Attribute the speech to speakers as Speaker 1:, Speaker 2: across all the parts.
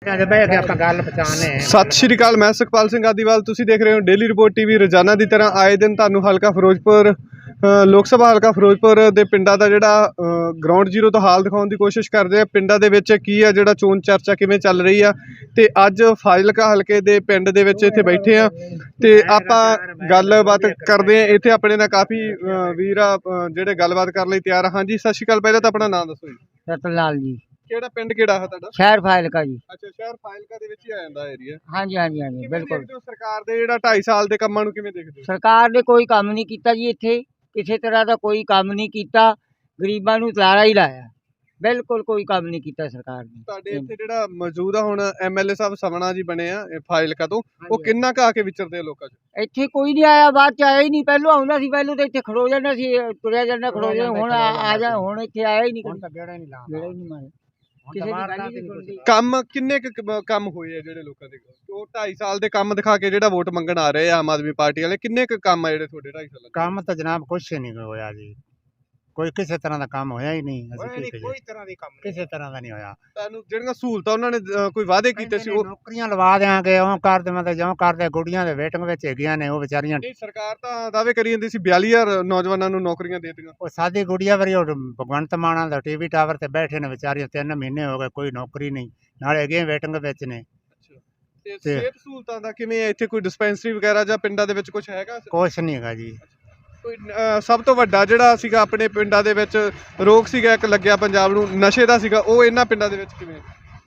Speaker 1: ਸਤਿ ਸ਼੍ਰੀ ਅਕਾਲ। ਮੈਂ ਸੁਖਪਾਲ ਸਿੰਘ ਆਦੀਵਾਲ। ਤੁਸੀਂ ਦੇਖ ਰਹੇ ਹੋ ਡੇਲੀ ਰਿਪੋਰਟ ਟੀਵੀ। ਰੋਜ਼ਾਨਾ ਦੀ ਤਰ੍ਹਾਂ ਆਏ ਦਿਨ ਤੁਹਾਨੂੰ ਹਲਕਾ ਫਿਰੋਜ਼ਪੁਰ ਲੋਕ ਸਭਾ ਹਲਕਾ ਫਿਰੋਜ਼ਪੁਰ ਦੇ ਪਿੰਡਾਂ ਦਾ ਜਿਹੜਾ ਗਰਾਊਂਡ ਜ਼ੀਰੋ ਤੋਂ ਹਾਲ ਦਿਖਾਉਣ ਦੀ ਕੋਸ਼ਿਸ਼ ਕਰਦੇ ਆ। ਪਿੰਡਾਂ ਦੇ ਵਿੱਚ ਕੀ ਆ, ਜਿਹੜਾ ਚੋਣ ਚਰਚਾ ਕਿਵੇਂ ਚੱਲ ਰਹੀ ਆ। ਤੇ ਅੱਜ ਫਾਜ਼ਿਲਕਾ ਹਲਕੇ ਦੇ ਪਿੰਡ ਦੇ ਵਿੱਚ ਇੱਥੇ ਬੈਠੇ ਆ ਤੇ ਆਪਾਂ ਗੱਲਬਾਤ ਕਰਦੇ ਆ। ਇੱਥੇ ਆਪਣੇ ਨਾਲ ਕਾਫੀ ਵੀਰ ਆ ਜਿਹੜੇ ਗੱਲਬਾਤ ਕਰਨ ਲਈ ਤਿਆਰ ਆ। ਹਾਂਜੀ, ਸਤਿ ਸ਼੍ਰੀ ਅਕਾਲ। ਪਹਿਲਾਂ ਤਾਂ ਆਪਣਾ ਨਾਮ ਦੱਸੋ ਜੀ।
Speaker 2: ਰਤਨਲਾਲ ਜੀ।
Speaker 1: ਕਿਹੜਾ ਪਿੰਡ ਕਿਹੜਾ ਹੈ ਤੁਹਾਡਾ?
Speaker 2: ਸ਼ਹਿਰ ਫਾਜ਼ਿਲਕਾ ਜੀ।
Speaker 1: ਅੱਛਾ, ਸ਼ਹਿਰ ਫਾਜ਼ਿਲਕਾ ਦੇ ਵਿੱਚ ਹੀ ਆ ਜਾਂਦਾ ਏਰੀਆ।
Speaker 2: ਹਾਂਜੀ ਹਾਂਜੀ ਹਾਂਜੀ ਬਿਲकुल।
Speaker 1: ਸਰਕਾਰ ਦੇ ਜਿਹੜਾ 2.5 ਸਾਲ ਦੇ ਕੰਮਾਂ ਨੂੰ ਕਿਵੇਂ ਦੇਖਦੇ ਹੋ?
Speaker 2: ਸਰਕਾਰ ਨੇ ਕੋਈ ਕੰਮ ਨਹੀਂ ਕੀਤਾ ਜੀ। ਇੱਥੇ ਕਿਸੇ ਤਰ੍ਹਾਂ ਦਾ ਕੋਈ ਕੰਮ ਨਹੀਂ ਕੀਤਾ। ਗਰੀਬਾਂ ਨੂੰ ਲਾਰਾ ਹੀ ਲਾਇਆ। ਬਿਲਕੁਲ ਕੋਈ ਕੰਮ ਨਹੀਂ ਕੀਤਾ ਸਰਕਾਰ ਨੇ।
Speaker 1: ਤੁਹਾਡੇ ਇੱਥੇ ਜਿਹੜਾ ਮੌਜੂਦ ਆ ਹੁਣ ਐਮਐਲਏ ਸਾਹਿਬ ਸਮਣਾ ਜੀ ਬਣੇ ਆ ਫਾਜ਼ਿਲਕਾ ਤੋਂ, ਉਹ ਕਿੰਨਾ ਕੁ ਆ ਕੇ ਵਿਚਰਦੇ ਆ ਲੋਕਾਂ 'ਚ?
Speaker 2: ਇੱਥੇ ਕੋਈ ਨਹੀਂ ਆਇਆ, ਬਾਅਦ ਚ ਆਇਆ ਹੀ ਨਹੀਂ। ਪਹਿਲੋਂ ਆਉਂਦਾ ਸੀ, ਪਹਿਲੋਂ ਤਾਂ ਇੱਥੇ ਖੜੋ ਜਾਂਦਾ ਸੀ, ਤੁਰਿਆ ਜਾਂਦਾ ਖੜੋ ਜਾਂਦਾ। ਹੁਣ ਆ ਜਾ, ਹੁਣ ਇੱਥੇ ਆਇਆ ਹੀ ਨਹੀਂ। ਗੇੜਾ ਹੀ ਨਹੀਂ ਮਾਰਿਆ।
Speaker 1: ਕੰਮ ਕਿੰਨੇ ਕੰਮ ਹੋਏ ਆ ਜਿਹੜੇ ਲੋਕਾਂ ਦੇ? ਉਹ 2.5 ਸਾਲ ਦੇ ਕੰਮ ਦਿਖਾ ਕੇ ਜਿਹੜਾ ਵੋਟ ਮੰਗਣ ਆ ਰਹੇ ਆ ਆਮ ਆਦਮੀ ਪਾਰਟੀ ਵਾਲੇ, ਕਿੰਨੇ ਕੁ ਕੰਮ ਆ ਜਿਹੜੇ ਤੁਹਾਡੇ 2.5 ਸਾਲਾਂ?
Speaker 3: ਕੰਮ ਤਾਂ ਜਨਾਬ ਕੁਛ ਨਹੀਂ ਹੋਇਆ ਜੀ। ਕੋਈ ਕਿਸੇ ਤਰ੍ਹਾਂ ਦਾ ਕੰਮ ਹੋਇਆ ਹੀ ਨਹੀਂ।
Speaker 1: ਕੋਈ ਤਰ੍ਹਾਂ ਦੀ ਕੰਮ
Speaker 3: ਕਿਸੇ ਤਰ੍ਹਾਂ ਦਾ ਨਹੀਂ ਹੋਇਆ।
Speaker 1: ਤੁਹਾਨੂੰ ਜਿਹੜੀਆਂ ਸਹੂਲਤਾਂ ਉਹਨਾਂ ਨੇ ਕੋਈ ਵਾਅਦੇ ਕੀਤੇ ਸੀ, ਉਹ
Speaker 3: ਨੌਕਰੀਆਂ ਲਵਾ ਦਿਆਂਗੇ, ਉਹ ਕਰ ਦੇਵਾਂਗੇ, ਜਿਉਂ ਕਰਦੇ। ਗੁੱਡੀਆਂ ਦੇ ਵੇਟਿੰਗ ਵਿੱਚ ਹੈਗੀਆਂ ਨੇ ਉਹ ਵਿਚਾਰੀਆਂ।
Speaker 1: ਸਰਕਾਰ ਤਾਂ ਦਾਅਵੇ ਕਰੀ ਜਾਂਦੀ ਸੀ 42,000 ਨੌਜਵਾਨਾਂ ਨੂੰ ਨੌਕਰੀਆਂ ਦੇ ਦਿੱਤੀਆਂ।
Speaker 3: ਉਹ ਸਾਡੀ ਗੁੱਡੀਆਂ ਵਾਰੀ ਉਹ ਭਗਵੰਤ ਮਾਨ ਦਾ ਟੀਵੀ ਟਾਵਰ ਤੇ ਬੈਠੇ ਨੇ ਵਿਚਾਰੀਆਂ। 3 ਮਹੀਨੇ ਹੋ ਗਏ, ਕੋਈ ਨੌਕਰੀ ਨਹੀਂ। ਨਾਲੇ ਹੈਗੇ ਵੇਟਿੰਗ ਵਿੱਚ ਨੇ।
Speaker 1: ਤੇ ਸਿਹਤ ਸਹੂਲਤਾਂ ਦਾ ਕਿਵੇਂ ਹੈ ਇੱਥੇ? ਕੋਈ ਡਿਸਪੈਂਸਰੀ ਵਗੈਰਾ ਜਾਂ ਪਿੰਡਾਂ ਦੇ ਵਿੱਚ ਕੁਝ ਹੈਗਾ?
Speaker 3: ਕੁਛ ਨਹੀਂ ਹੈਗਾ ਜੀ।
Speaker 1: ਕੋਈ ਸਭ ਤੋਂ ਵੱਡਾ ਜਿਹੜਾ ਸੀਗਾ ਆਪਣੇ ਪਿੰਡਾਂ ਦੇ ਵਿੱਚ ਰੋਗ ਸੀਗਾ ਇੱਕ ਲੱਗਿਆ ਪੰਜਾਬ ਨੂੰ, ਨਸ਼ੇ ਦਾ ਸੀਗਾ, ਉਹ ਇਹਨਾਂ ਪਿੰਡਾਂ ਦੇ ਵਿੱਚ ਕਿਵੇਂ?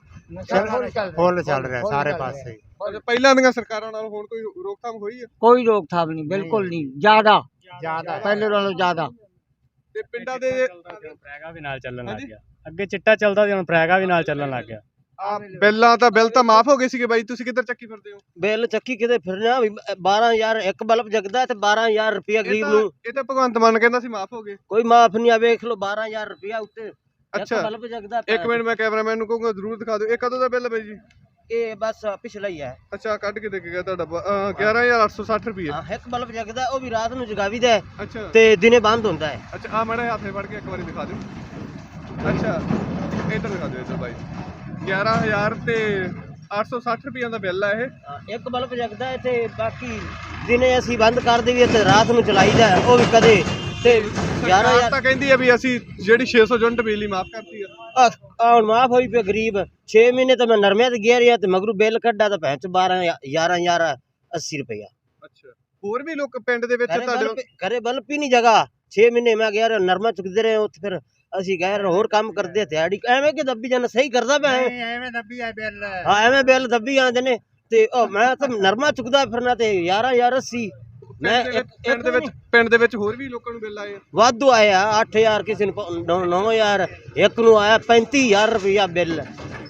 Speaker 3: ਫੁੱਲ ਚੱਲ ਰਿਹਾ ਸਾਰੇ ਪਾਸੇ।
Speaker 1: ਪਹਿਲਾਂ ਦੀਆਂ ਸਰਕਾਰਾਂ ਨਾਲ ਹੁਣ ਕੋਈ ਰੋਕਥਾਮ ਹੋਈ ਹੈ?
Speaker 2: ਕੋਈ ਰੋਕਥਾਮ ਨਹੀਂ, ਬਿਲਕੁਲ ਨਹੀਂ। ਜ਼ਿਆਦਾ ਪਹਿਲੇ ਨਾਲੋਂ ਜ਼ਿਆਦਾ।
Speaker 1: ਤੇ ਪਿੰਡਾਂ ਦੇ
Speaker 4: ਫਰੈਗਾ ਵੀ ਨਾਲ ਚੱਲਣ ਲੱਗ ਗਿਆ। ਅੱਗੇ ਚਿੱਟਾ ਚੱਲਦਾ ਸੀ, ਹੁਣ ਫਰੈਗਾ ਵੀ ਨਾਲ ਚੱਲਣ ਲੱਗ ਗਿਆ।
Speaker 1: ਬਿੱਲ ਤਾਂ ਮਾਫ ਹੋ ਗਏ ਸੀਗੇ ਬਾਈ, ਤੁਸੀਂ ਕਿੱਧਰ ਚੱਕੀ ਫਿਰਦੇ ਹੋ?
Speaker 5: ਬਿੱਲ ਚੱਕੀ ਕਿਤੇ ਫਿਰਨਾ। 12,000 ਇੱਕ ਬਲਬ ਜਗਦਾ ਤੇ 12,000 ਰੁਪਇਆ ਗਰੀਬ ਨੂੰ।
Speaker 1: ਇਹ ਤਾਂ ਭਗਵੰਤ ਮਾਨ ਕਹਿੰਦਾ ਸੀ ਮਾਫ ਹੋ ਗਏ।
Speaker 5: ਕੋਈ ਮਾਫ ਨਹੀਂ ਆ। ਵੇਖ ਲਓ 12,000 ਰੁਪਇਆ ਉੱਤੇ
Speaker 1: ਅੱਛਾ
Speaker 5: ਬਲਬ ਜਗਦਾ।
Speaker 1: ਇੱਕ ਮਿੰਟ, ਮੈਂ ਕੈਮਰਾਮੈਨ ਨੂੰ ਕਹੂੰਗਾ ਜ਼ਰੂਰ ਦਿਖਾ ਦਿਓ। ਇਹ ਕਦੋਂ ਦਾ ਬਿੱਲ ਹੈ ਬਾਈ ਜੀ?
Speaker 5: ਇਹ ਬਸ ਪਿਛਲਾ ਹੀ ਹੈ।
Speaker 1: ਅੱਛਾ, ਕੱਢ ਕੇ ਦੇ ਕੇ ਗਿਆ ਤੁਹਾਡਾ 11,860 ਰੁਪਏ।
Speaker 5: ਇੱਕ ਬਲਬ ਜਗਦਾ, ਉਹ ਵੀ ਰਾਤ ਨੂੰ ਜਗਾਵੀਦਾ
Speaker 1: ਅੱਛਾ, ਤੇ
Speaker 5: ਦਿਨੇ ਬੰਦ ਹੁੰਦਾ ਹੈ।
Speaker 1: ਅੱਛਾ, ਆ ਮਾੜਾ ਹੱਥੇ ਫੜ ਕੇ ਇੱਕ ਵਾਰੀ ਦਿਖਾ ਦਿਓ। ਅੱਛਾ, ਇੱਧਰ ਦਿਖਾ ਦਿਓ। ਇੱਧਰ ਬਾਈ 11,000 ਤੇ 860 ਰੁਪਈਆਂ ਦਾ ਬਿੱਲ ਆ ਇਹ।
Speaker 5: ਇੱਕ ਬਲਬ ਜਗਦਾ ਤੇ ਬਾਕੀ ਦਿਨੇ ਅਸੀਂ ਬੰਦ ਕਰ ਦੇਈਏ ਤੇ ਰਾਤ ਨੂੰ ਚਲਾਈਦਾ, ਉਹ ਵੀ ਕਦੇ। ਤੇ 11,000
Speaker 1: ਤਾਂ ਕਹਿੰਦੀ ਆ ਵੀ ਅਸੀਂ ਜਿਹੜੀ 600 ਯੂਨਿਟ ਬਿਜਲੀ ਮਾਫ ਕਰਤੀ ਆ।
Speaker 5: ਹੁਣ ਮਾਫ ਹੋਈ ਪਈ ਗਰੀਬ। 6 ਮਹੀਨੇ ਤਾਂ ਮੈਂ ਨਰਮੇ ਤੇ ਗਿਆ ਰਿਹਾ ਤੇ ਮਗਰੂ ਬਿੱਲ ਕੱਢਾ ਤਾਂ ਭੈਣ ਚ 11,80 ਰੁਪਇਆ।
Speaker 1: ਅੱਛਾ, ਹੋਰ ਵੀ ਲੋਕ ਪਿੰਡ ਦੇ ਵਿੱਚ ਤੁਹਾਡੇ
Speaker 5: ਘਰੇ ਬਲਬ ਹੀ ਨਹੀਂ ਜਗਾ। 6 ਮਹੀਨੇ ਮੈਂ ਗਿਆ ਰਿਹਾ, ਨਰਮਾ ਚੁੱਕਦੇ ਰਹੇ ਉੱਥੇ। ਫਿਰ ਅਸੀਂ ਗਏ ਹੋਰ ਕੰਮ ਕਰਦੇ ਦਿਹਾੜੀ। ਐਵੇਂ ਕਿ ਦੱਬੀ ਜਾਣਾ ਸਹੀ ਕਰਦਾ ਪਿਆ।
Speaker 3: ਐਵੇਂ ਦੱਬੀ ਆ ਬਿੱਲ।
Speaker 5: ਹਾਂ, ਐਵੇਂ ਬਿੱਲ ਦੱਬੀ ਆਉਂਦੇ ਨੇ। ਤੇ ਮੈਂ ਤਾਂ ਨਰਮਾ ਚੁੱਕਦਾ ਫਿਰਨਾ ਤੇ 11,080। ਮੈਂ
Speaker 1: ਪਿੰਡ ਦੇ ਵਿੱਚ ਹੋਰ ਵੀ ਲੋਕਾਂ ਨੂੰ ਬਿੱਲ ਆਏ ਆ?
Speaker 5: ਵਾਧੂ ਆਇਆ। 8,000 ਕਿਸੇ ਨੂੰ, 9,000 ਇੱਕ ਨੂੰ ਆਇਆ। 35,000 ਰੁਪਇਆ ਬਿੱਲ।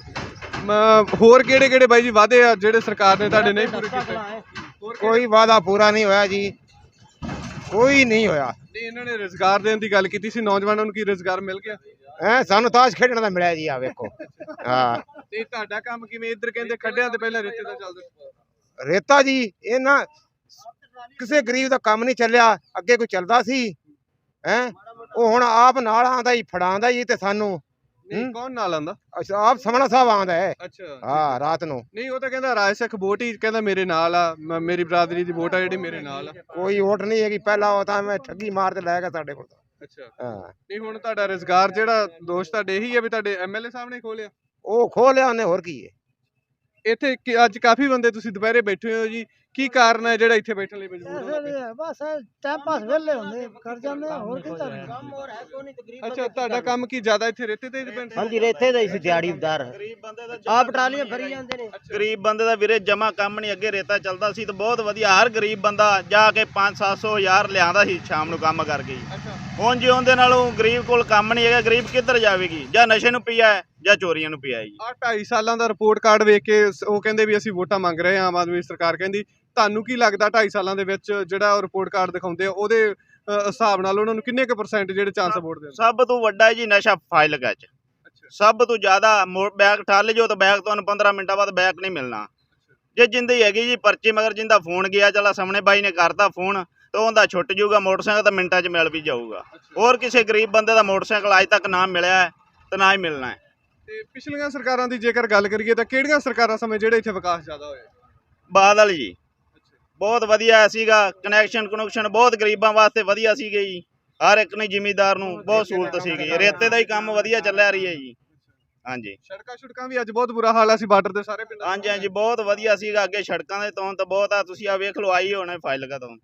Speaker 1: ਹੋਰ ਕਿਹੜੇ ਕਿਹੜੇ ਬਾਈ ਜੀ ਵਾਅਦੇ ਆ ਜਿਹੜੇ ਸਰਕਾਰ ਨੇ ਤੁਹਾਡੇ ਨਹੀਂ ਪੂਰੇ ਕੀਤੇ?
Speaker 3: ਕੋਈ ਵਾਅਦਾ ਪੂਰਾ ਨਹੀਂ ਹੋਇਆ ਜੀ, ਕੋਈ ਨਹੀਂ ਹੋਇਆ।
Speaker 1: ਨਹੀਂ, ਇਹਨਾਂ ਨੇ ਰੁਜ਼ਗਾਰ ਦੇਣ ਦੀ ਗੱਲ ਕੀਤੀ ਸੀ ਨੌਜਵਾਨਾਂ ਨੂੰ, ਕੀ ਰੁਜ਼ਗਾਰ ਮਿਲ ਗਿਆ?
Speaker 3: ਸਾਨੂੰ ਤਾਸ਼ ਖੇਡਣ ਦਾ ਮਿਲਿਆ ਜੀ। ਆ ਵੇਖੋ। ਹਾਂ,
Speaker 1: ਤੇ ਤੁਹਾਡਾ ਕੰਮ ਕਿਵੇਂ? ਇੱਧਰ ਕਹਿੰਦੇ ਖੱਡਿਆਂ ਤੇ ਪਹਿਲਾਂ ਰੇਤੇ ਦਾ ਚੱਲਦਾ।
Speaker 3: ਰੇਤਾ ਜੀ ਇਹਨਾਂ ਕਿਸੇ ਗਰੀਬ ਦਾ ਕੰਮ ਨਹੀਂ ਚੱਲਿਆ। ਅੱਗੇ ਕੋਈ ਚੱਲਦਾ ਸੀ ਉਹ ਹੁਣ ਆਪ ਨਾਲ ਆਂਦਾ ਜੀ, ਫੜਾਉਂਦਾ ਜੀ। ਤੇ ਸਾਨੂੰ
Speaker 1: ਨਹੀਂ, ਕੌਣ ਨਾਲ ਆਂਦਾ?
Speaker 3: ਆਪ ਸਮਣਾ ਸਾਹਿਬ ਆਂਦਾ ਹੈ।
Speaker 1: ਅੱਛਾ,
Speaker 3: ਹਾਂ, ਰਾਤ ਨੂੰ।
Speaker 1: ਨਹੀਂ, ਉਹ ਤਾਂ ਕਹਿੰਦਾ ਰਾਜ ਸਿੱਖ ਵੋਟ ਹੀ ਕਹਿੰਦਾ ਮੇਰੇ ਨਾਲ ਆ, ਮੇਰੀ ਬਰਾਦਰੀ ਦੀ ਵੋਟ ਆ ਜਿਹੜੀ ਮੇਰੇ ਨਾਲ ਆ।
Speaker 3: ਕੋਈ ਵੋਟ ਨਹੀਂ ਹੈਗੀ। ਪਹਿਲਾਂ ਉਹ ਤਾਂ ਮੈਂ ਠੱਗੀ ਮਾਰ ਤੇ ਲੈ ਗਿਆ ਸਾਡੇ ਕੋਲ।
Speaker 1: ਅੱਛਾ,
Speaker 3: ਹਾਂ।
Speaker 1: ਨਹੀਂ, ਹੁਣ ਤੁਹਾਡਾ ਰੁਜ਼ਗਾਰ ਜਿਹੜਾ ਦੋਸਤ ਤੁਹਾਡੇ ਇਹੀ ਹੈ ਵੀ ਤੁਹਾਡੇ ਐਮਐਲਏ ਸਾਹਿਬ ਨੇ ਖੋਲਿਆ?
Speaker 3: ਉਹ ਖੋਹ ਲਿਆ ਉਹਨੇ, ਹੋਰ ਕੀ ਹੈ।
Speaker 1: ਇੱਥੇ ਅੱਜ ਕਾਫੀ ਬੰਦੇ ਤੁਸੀਂ ਦੁਪਹਿਰੇ ਬੈਠੇ ਹੋ ਜੀ, ਕੀ ਕਾਰਨ ਹੈ ਜਿਹੜਾ ਇੱਥੇ ਬੈਠਣ ਲਈ ਮਜਬੂਰ ਹੋ?
Speaker 2: ਬਸ ਟਾਈਮ ਪਾਸ ਵੇਲੇ ਹੁੰਦੇ ਕਰ ਜਾਂਦੇ, ਹੋਰ ਕੀ ਕਰਨਾ।
Speaker 5: ਕੰਮ ਹੋਰ ਹੈ ਕੋਈ ਨਹੀਂ।
Speaker 1: ਅੱਛਾ, ਤੁਹਾਡਾ ਕੰਮ ਕੀ ਜ਼ਿਆਦਾ ਇੱਥੇ ਰੇਤੇ ਤੇ ਡਿਪੈਂਡ?
Speaker 5: ਹਾਂਜੀ, ਰੇਤੇ ਦਾ ਹੀ ਸੀ ਦਿਹਾੜੀਦਾਰ। ਆਪ ਟਰਾਲੀਆਂ ਭਰੀ ਜਾਂਦੇ ਨੇ।
Speaker 6: ਗਰੀਬ ਬੰਦੇ ਦਾ ਵੀਰੇ ਜਮਾ ਕੰਮ ਨਹੀਂ। ਅੱਗੇ ਰੇਤਾ ਚੱਲਦਾ ਸੀ ਤਾਂ ਬਹੁਤ ਵਧੀਆ। ਹਰ ਗਰੀਬ ਬੰਦਾ ਜਾ ਕੇ 500-700 ਹਜ਼ਾਰ ਲਿਆਂਦਾ ਸੀ ਸ਼ਾਮ ਨੂੰ ਕੰਮ ਕਰਕੇ। ਹੁਣ ਜੇ ਉਹਦੇ ਨਾਲੋਂ ਗਰੀਬ ਕੋਲ ਕੰਮ ਨਹੀਂ ਹੈਗਾ, ਗਰੀਬ ਕਿੱਧਰ ਜਾਵੇਗੀ? ਜਾਂ ਨਸ਼ੇ ਨੂੰ ਪਿਆ ਹੈ ਜਾਂ ਚੋਰੀਆਂ ਨੂੰ ਪਿਆ ਜੀ।
Speaker 1: ਆਹ 2.5 ਸਾਲਾਂ ਦਾ ਰਿਪੋਰਟ ਕਾਰਡ ਵੇਖ ਕੇ ਉਹ ਕਹਿੰਦੇ ਵੀ ਅਸੀਂ ਵੋਟਾਂ ਮੰਗ ਰਹੇ ਹਾਂ, ਆਮ ਆਦਮੀ ਸਰਕਾਰ ਕਹਿੰਦੀ। ਤੁਹਾਨੂੰ ਕੀ ਲੱਗਦਾ 2.5 ਸਾਲਾਂ ਦੇ ਵਿੱਚ ਜਿਹੜਾ ਉਹ ਰਿਪੋਰਟ ਕਾਰਡ ਦਿਖਾਉਂਦੇ ਆ ਉਹਦੇ ਹਿਸਾਬ ਨਾਲ ਉਹਨਾਂ ਨੂੰ ਕਿੰਨੇ ਕੁ % ਜਿਹੜੇ ਚਾਂਸ ਵੋਟ ਦੇ?
Speaker 6: ਸਭ ਤੋਂ ਵੱਡਾ ਜੀ ਨਸ਼ਾ ਫਾਜ਼ਿਲਕਾ ਚ। ਸਭ ਤੋਂ ਜ਼ਿਆਦਾ ਬੈਗ ਠਾਲ ਜੋ ਤਾਂ ਬੈਗ ਤੁਹਾਨੂੰ 15 ਮਿੰਟਾਂ ਬਾਅਦ ਬੈਗ ਨਹੀਂ ਮਿਲਣਾ। ਜੇ ਜਿੰਦੀ ਹੈਗੀ ਜੀ ਪਰਚੀ, ਮਗਰ ਜਿੰਦਾ ਫੋਨ ਗਿਆ ਚਲਾ ਸਾਹਮਣੇ ਬਾਈ ਨੇ ਕਰਤਾ ਫੋਨ ਤਾਂ ਉਹਦਾ ਛੁੱਟ ਜਾਊਗਾ ਮੋਟਰਸਾਈਕਲ, ਤਾਂ ਮਿੰਟਾਂ 'ਚ ਮਿਲ ਵੀ ਜਾਊਗਾ। ਹੋਰ ਕਿਸੇ ਗਰੀਬ ਬੰਦੇ ਦਾ ਮੋਟਰਸਾਈਕਲ ਅੱਜ ਤੱਕ ਨਾ ਮਿਲਿਆ ਤੇ ਨਾ ਹੀ ਮਿਲਣਾ ਹੈ।
Speaker 1: ਤੇ ਪਿਛਲੀਆਂ ਸਰਕਾਰਾਂ ਦੀ ਜੇਕਰ ਗੱਲ ਕਰੀਏ ਤਾਂ ਕਿਹੜੀਆਂ ਸਰਕਾਰਾਂ ਸਮੇਂ ਜਿਹੜੇ ਇੱਥੇ ਵਿਕਾਸ ਜ਼ਿਆਦਾ ਹੋਇਆ?
Speaker 6: ਬਾਦਲ ਜੀ ਬਹੁਤ ਵਧੀਆ ਸੀਗਾ, ਕਨੈਕਸ਼ਨ ਬਹੁਤ ਗਰੀਬਾਂ ਵਾਸਤੇ ਵਧੀਆ ਸੀਗੇ ਜੀ, ਹਰ ਇੱਕ ਨੂੰ ਜ਼ਿਮੀਂਦਾਰ ਨੂੰ ਬਹੁਤ ਸਹੂਲਤ ਸੀਗੀ, ਰੇਤੇ ਦਾ ਹੀ ਕੰਮ ਵਧੀਆ ਚੱਲਿਆ ਰਹੀ ਹੈ ਜੀ। ਹਾਂਜੀ
Speaker 1: ਸੜਕਾਂ ਵੀ ਅੱਜ ਬਹੁਤ ਬੁਰਾ ਹਾਲ ਆ ਸੀ ਬਾਰਡਰ ਦੇ ਸਾਰੇ ਪਿੰਡਾਂ
Speaker 6: ਹਾਂਜੀ ਹਾਂਜੀ ਬਹੁਤ ਵਧੀਆ ਸੀਗਾ, ਅੱਗੇ ਸੜਕਾਂ ਦੇ ਤੋਂ ਤਾਂ ਬਹੁਤ ਆ, ਤੁਸੀਂ ਆ ਵੇਖ ਲਓ ਆਈ ਹੋਣਾ ਫਾਜ਼ਿਲਕਾ ਤੋਂ।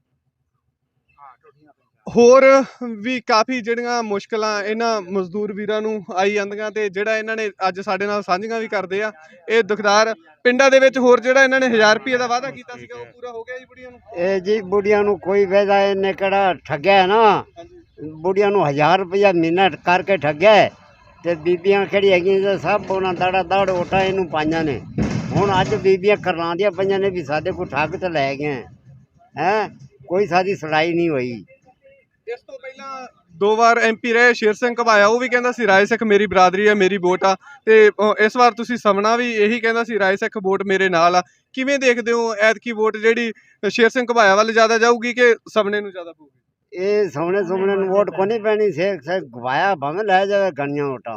Speaker 1: ਹੋਰ ਵੀ ਕਾਫੀ ਜਿਹੜੀਆਂ ਮੁਸ਼ਕਲਾਂ ਇਹਨਾਂ ਮਜ਼ਦੂਰ ਵੀਰਾਂ ਨੂੰ ਆਈ ਜਾਂਦੀਆਂ ਤੇ ਜਿਹੜਾ ਇਹਨਾਂ ਨੇ ਅੱਜ ਸਾਡੇ ਨਾਲ ਸਾਂਝੀਆਂ ਵੀ ਕਰਦੇ ਆ। ਇਹ ਦੁਖਦਾਰ ਪਿੰਡਾਂ ਦੇ ਵਿੱਚ ਹੋਰ ਜਿਹੜਾ ਇਹਨਾਂ ਨੇ 1000 ਰੁਪਏ ਦਾ ਵਾਅਦਾ ਕੀਤਾ ਸੀਗਾ ਉਹ ਪੂਰਾ ਹੋ ਗਿਆ ਜੀ ਬੁੜੀਆਂ ਨੂੰ?
Speaker 7: ਇਹ ਜੀ ਬੁੜੀਆਂ ਨੂੰ ਕੋਈ ਵਾਅਦਾ ਇਹਨੇ ਕਿਹੜਾ ਠੱਗਿਆ ਹੈ ਨਾ, ਬੁੜੀਆਂ ਨੂੰ 1000 ਰੁਪਇਆ ਮਹੀਨਾ ਕਰਕੇ ਠੱਗਿਆ ਹੈ ਤੇ ਬੀਬੀਆਂ ਕਿਹੜੀ ਹੈਗੀਆਂ ਜੀ, ਸਭ ਉਹਨਾਂ ਦੜ ਓਟਾ ਇਹਨੂੰ ਪਾਈਆਂ ਨੇ। ਹੁਣ ਅੱਜ ਬੀਬੀਆਂ ਕਰਲਾਉਂਦੀਆਂ ਪਈਆਂ ਨੇ ਵੀ ਸਾਡੇ ਕੋਲ ਠੱਗ ਤੇ ਲੈ ਗਏ ਹੈ, ਕੋਈ ਸਾਡੀ ਸੁਣਾਈ ਨਹੀਂ ਹੋਈ।
Speaker 1: ਇਸ ਤੋਂ ਪਹਿਲਾਂ 2 ਵਾਰ MP ਰਹੇ ਸ਼ੇਰ ਸਿੰਘ ਘਬਾਇਆ, ਉਹ ਵੀ ਕਹਿੰਦਾ ਸੀ ਰਾਏ ਸਿੱਖ ਮੇਰੀ ਬਰਾਦਰੀ ਹੈ, ਮੇਰੀ ਵੋਟ ਆ, ਤੇ ਇਸ ਵਾਰ ਤੁਸੀਂ ਸਮਣਾ ਵੀ ਇਹੀ ਕਹਿੰਦਾ ਸੀ ਰਾਏ ਸਿੱਖ ਵੋਟ ਮੇਰੇ ਨਾਲ ਆ। ਕਿਵੇਂ ਦੇਖਦੇ ਹੋ ਐਤਕੀ ਵੋਟ ਜਿਹੜੀ ਸ਼ੇਰ ਸਿੰਘ ਘਬਾਇਆ ਵੱਲ ਜ਼ਿਆਦਾ ਜਾਊਗੀ ਕਿ ਸਮਣੇ ਨੂੰ ਜ਼ਿਆਦਾ ਪਊਗੀ?
Speaker 7: ਇਹ ਸੋਹਣੇ ਨੂੰ ਵੋਟ ਕੋ ਨਹੀਂ ਪੈਣੀ, ਸ਼ੇਖ ਘਵਾਇਆ ਭਾਵੇਂ ਲੈ ਜਾਵੇ ਗਣੀਆਂ ਵੋਟਾਂ।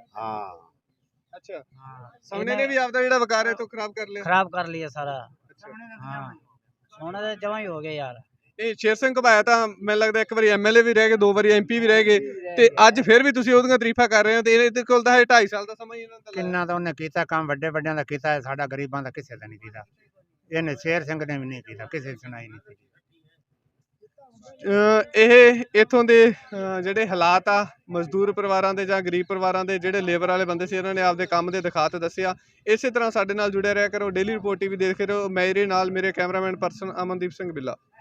Speaker 1: ਅੱਛਾ ਸਮਣੇ ਨੇ ਵੀ ਆਪਦਾ ਜਿਹੜਾ ਵਕਾਰ ਹੈ ਤੋਂ ਖਰਾਬ ਕਰ ਲਿਆ।
Speaker 8: खराब कर लिया सारा। हाँ सोना तो जमा ही हो गया यार।
Speaker 1: ਇਹ ਸ਼ੇਰ ਸਿੰਘ ਘਬਾਇਆ ਤਾਂ ਮੈਨੂੰ ਲੱਗਦਾ ਇੱਕ ਵਾਰੀ MLA ਵੀ ਰਹਿ ਗਏ, 2 ਵਾਰੀ MP ਵੀ ਰਹਿ ਗਏ, ਤੇ ਅੱਜ ਫਿਰ ਵੀ ਤੁਸੀਂ ਉਹਦੀਆਂ ਤਾਰੀਫਾਂ ਕਰ ਰਹੇ ਹੋ। ਤੇ ਇਹਦੇ ਕੋਲ ਤਾਂ 2.5 ਸਾਲ ਦਾ ਸਮਾਂ ਹੀ ਇਹਨਾਂ ਦਾ
Speaker 9: ਕਿੰਨਾ ਤਾਂ ਉਹਨੇ ਕੀਤਾ ਕੰਮ, ਵੱਡੇ ਵੱਡਿਆਂ ਦਾ ਕੀਤਾ ਹੈ, ਸਾਡਾ ਗਰੀਬਾਂ ਦਾ ਕਿਸੇ ਦਾ ਨਹੀਂ ਕੀਤਾ। ਇਹਨੇ ਸ਼ੇਰ ਸਿੰਘ ਨੇ ਵੀ ਨਹੀਂ ਕੀਤਾ, ਕਿਸੇ ਦੀ ਸੁਣਾਈ ਨਹੀਂ ਕੀਤੀ।
Speaker 1: ਇਹ ਇਥੋਂ ਦੇ ਜਿਹੜੇ ਹਾਲਾਤ ਆ ਮਜ਼ਦੂਰ ਪਰਿਵਾਰਾਂ ਦੇ ਜਾਂ ਗਰੀਬ ਪਰਿਵਾਰਾਂ ਦੇ ਜਿਹੜੇ ਲੇਬਰ ਵਾਲੇ ਬੰਦੇ ਸੀ, ਇਹਨਾਂ ਨੇ ਆਪਦੇ ਕੰਮ ਦੇ ਦਿਖਾ ਤੇ ਦੱਸਿਆ। ਇਸੇ ਤਰ੍ਹਾਂ ਸਾਡੇ ਨਾਲ ਜੁੜਿਆ ਰਿਹਾ ਕਰੋ, ਡੇਲੀ ਰਿਪੋਰਟ TV ਦੇਖਦੇ ਰਹੋ। ਮੇਰੇ ਨਾਲ ਮੇਰੇ ਕੈਮਰਾਮੈਨ ਪਰਸਨ ਅਮਨਦੀਪ ਸਿੰਘ ਬਿੱਲਾ।